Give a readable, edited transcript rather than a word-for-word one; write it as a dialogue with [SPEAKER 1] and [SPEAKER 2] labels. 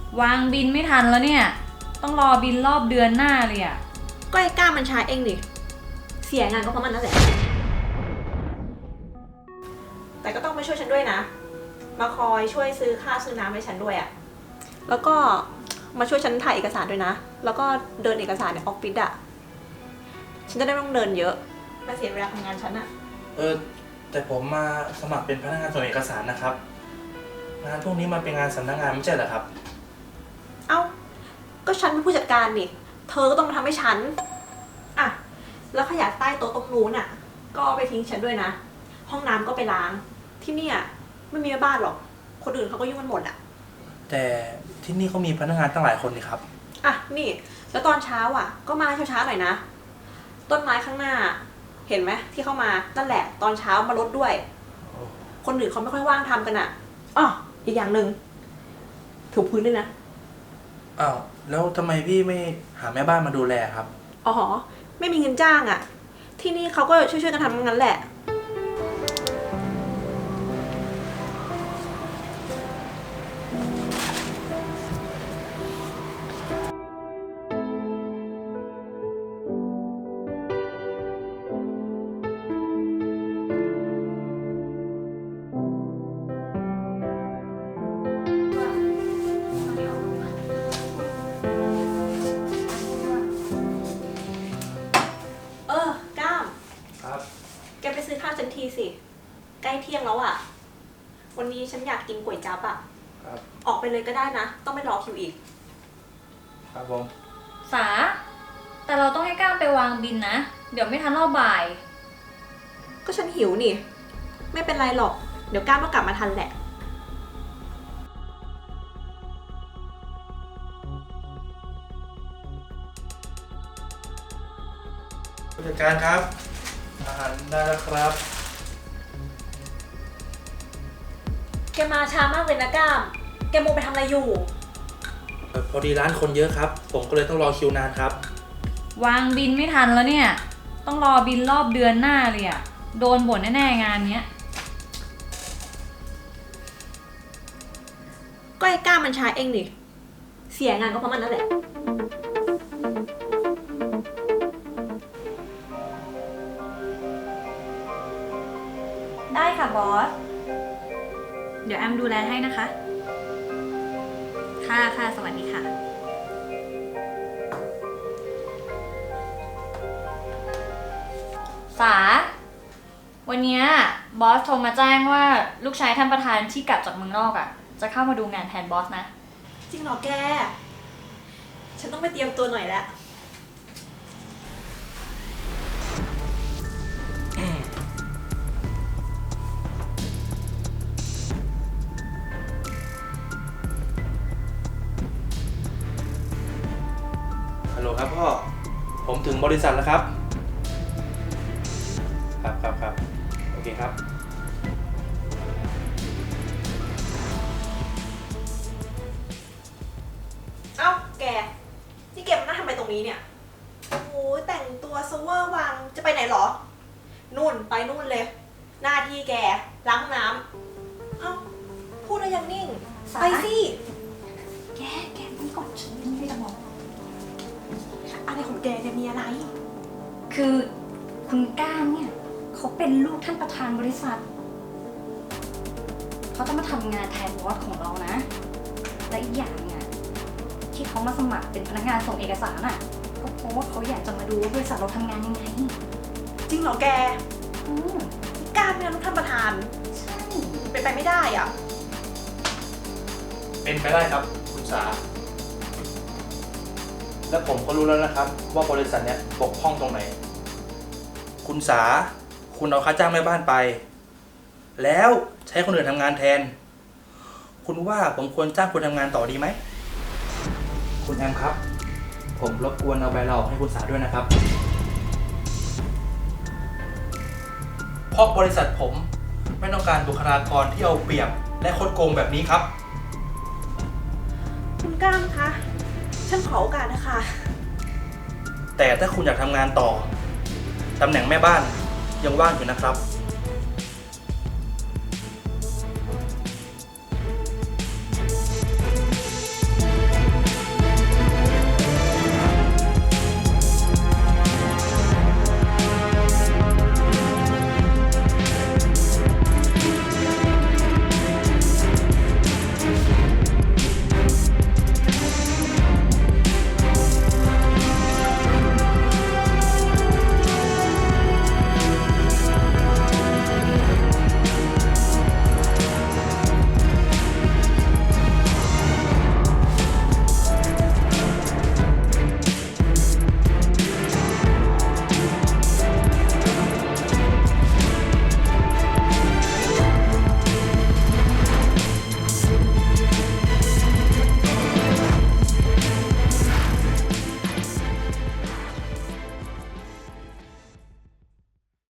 [SPEAKER 1] วางบินไม่ทันแล้วเนี่ยต้องรอบินรอบเดือนหน้าเลยอะ
[SPEAKER 2] ก็ไอ้ก้ามันช้าเองดิเสียงานก็เพราะมันนั่นแหละแต่ก็ต้องมาช่วยฉันด้วยนะมาคอยช่วยซื้อข้าวซื้อน้ำให้ฉันด้วยอะแล้วก็มาช่วยฉันถ่ายเอกสารด้วยนะแล้วก็เดินเอกสารในออฟฟิศอะฉันจะได้ไม่ต้องเดินเยอะมาเสียเวลาทำงานฉันอะ
[SPEAKER 3] แต่ผมมาสมัครเป็นพนักงานส่งเอกสารนะครับงานพวกนี้มันเป็นงานสำนักงานไม่ใช่เหรอครับ
[SPEAKER 2] เอ้าก็ฉันเป็นผู้จัดการนี่เธอก็ต้องมาทำให้ฉันอะแล้วขยะใต้โต๊ะตรงนู้นอะก็เอาไปทิ้งฉันด้วยนะห้องน้ำก็ไปล้างที่นี่ไม่มีแม่บ้านหรอกคนอื่นเขาก็ยุ่งกันหมดอะ
[SPEAKER 3] แต่ที่นี่เขามีพนักงานตั้งหลายคนนี่ครับ
[SPEAKER 2] อ่ะนี่แล้วตอนเช้าก็มาช้าๆหน่อยนะต้นไม้ข้างหน้าเห็นไหมที่เข้ามานั่นแหละตอนเช้ามารดด้วยคนอื่นเขาไม่ค่อยว่างทำกันอ่ะอ๋ออีกอย่างหนึ่งถูพื้นด้วยนะ
[SPEAKER 3] อ้าวแล้วทำไมพี่ไม่หาแม่บ้านมาดูแลครับ
[SPEAKER 2] อ๋อไม่มีเงินจ้างอ่ะที่นี่เขาก็ช่วยๆกันทำงั้นแหละก้าม
[SPEAKER 3] ครับ
[SPEAKER 2] แกไปซื้อข้าวฉันทีสิใกล้เที่ยงแล้วอ่ะวันนี้ฉันอยากกินก๋วยจั๊บอ่ะ
[SPEAKER 3] ครับ
[SPEAKER 2] ออกไปเลยก็ได้นะต้องไม่รอคิวอีก
[SPEAKER 3] ครับผม
[SPEAKER 1] สาแต่เราต้องให้ก้ามไปวางบินนะเดี๋ยวไม่ทันรอบบ่าย
[SPEAKER 2] ก็ฉันหิวนี่ไม่เป็นไรหรอกเดี๋ยวก้ามก็กลับมาทันแหละ
[SPEAKER 3] ผู้จัดการครับอาหารได้แล้วครับ
[SPEAKER 2] แกมาช้ามากเลยนะก้ามแกโมไปทำอะไรอยู่
[SPEAKER 3] พอดีร้านคนเยอะครับผมก็เลยต้องรอคิวนานครับ
[SPEAKER 1] วางบินไม่ทันแล้วเนี่ยต้องรอบินรอบเดือนหน้าเลยอะโดนบ่นแน่ๆงานเนี้ย
[SPEAKER 2] ก็ไอ้ก้ามมันช้าเองดิเสียงานก็เพราะมันนั่นแหละ
[SPEAKER 1] ได้ค่ะบอสเดี๋ยวแอมดูแลให้นะคะค่ะสวัสดีค่ะสาวันนี้บอสโทรมาแจ้งว่าลูกชายท่านประธานที่กลับจากเมืองนอกจะเข้ามาดูงานแทนบอสนะ
[SPEAKER 2] จริงเหรอแกฉันต้องไปเตรียมตัวหน่อยแล้ว
[SPEAKER 3] ฮัลโหลครับพ่อผมถึงบริษัทแล้วครับครับโอเคครับ
[SPEAKER 2] เอ้าแกนี่แกมานั่งทำไมตรงนี้เนี่ยโอ้ยแต่งตัวเซเวอร์วังจะไปไหนหรอนู่นไปนู่นเลยหน้าที่แกล้างห้องน้ำเอ้าพูดแล้วยังนิ่งไปสิแกนี่ก่อนฉันไม่ได้บอกอะไรของแกเนี่ยมีอะไร
[SPEAKER 1] คือคุณก้านเนี่ยเขาเป็นลูกท่านประธานบริษัทเขาจะมาทำงานแทนบอสของเรานะและอีกอย่างเนี่ยที่เขามาสมัครเป็นพนักงานส่งเอกสารก็เพราะว่าเขาอยากจะมาดูว่าบริษัทเราทำงานยังไง
[SPEAKER 2] จริงเหรอแกก้านเป็นลูกท่านประธาน
[SPEAKER 1] ใช่
[SPEAKER 2] เป็นไปไม่ได้อ่ะ
[SPEAKER 3] เป็นไปได้ครับคุณสาและผมก็รู้แล้วนะครับว่าบริษัทเนี้ยบกพร่องตรงไหนคุณสาคุณเอาค่าจ้างแม่บ้านไปแล้วใช้คนอื่นทำงานแทนคุณว่าผมควรจ้างคุณทำงานต่อดีไหมคุณแอมครับผมรบกวนเอาใบลาออกให้คุณสาด้วยนะครับเพราะบริษัทผมไม่ต้องการบุคลากรที่เอาเปรียบและคดโกงแบบนี้ครับ
[SPEAKER 2] คุณก้ามคะฉันขอโอกาสนะคะ
[SPEAKER 3] แต่ถ้าคุณอยากทำงานต่อตำแหน่งแม่บ้านยังว่างอยู่นะครับ